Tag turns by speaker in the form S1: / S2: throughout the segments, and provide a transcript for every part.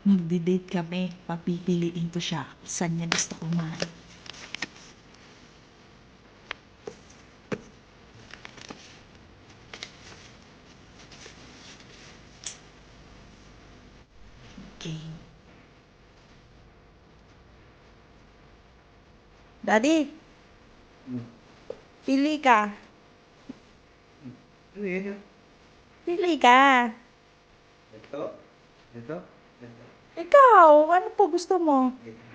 S1: Magde-date kami. Papipiliin ko siya. Saan niya gusto kumain. Okay. Daddy, pili ka.
S2: Ano yun?
S1: Pili ka.
S2: Ito? Ito? Ito?
S1: Ikaw, ano po gusto mo?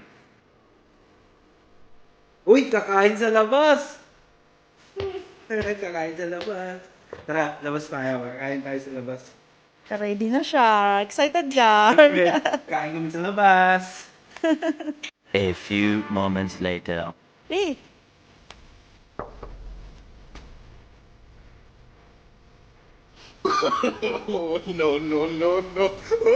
S2: Uy! Kakain sa labas! Kakain sa labas. Tara, labas tayo. Kakain tayo sa labas.
S1: Ready na siya. Excited yan.
S2: Kain kami sa labas.
S3: A few moments later.
S1: Eh,
S2: Oh, no, no, no, no.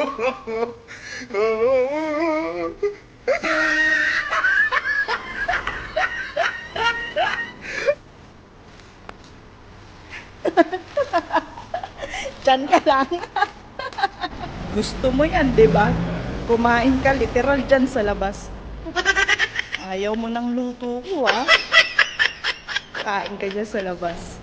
S1: dyan ka lang. Gusto mo yan, di ba? Kumain ka literal dyan sa labas. Ayaw mo ng luto ko, ah. Kain ka dyan sa labas.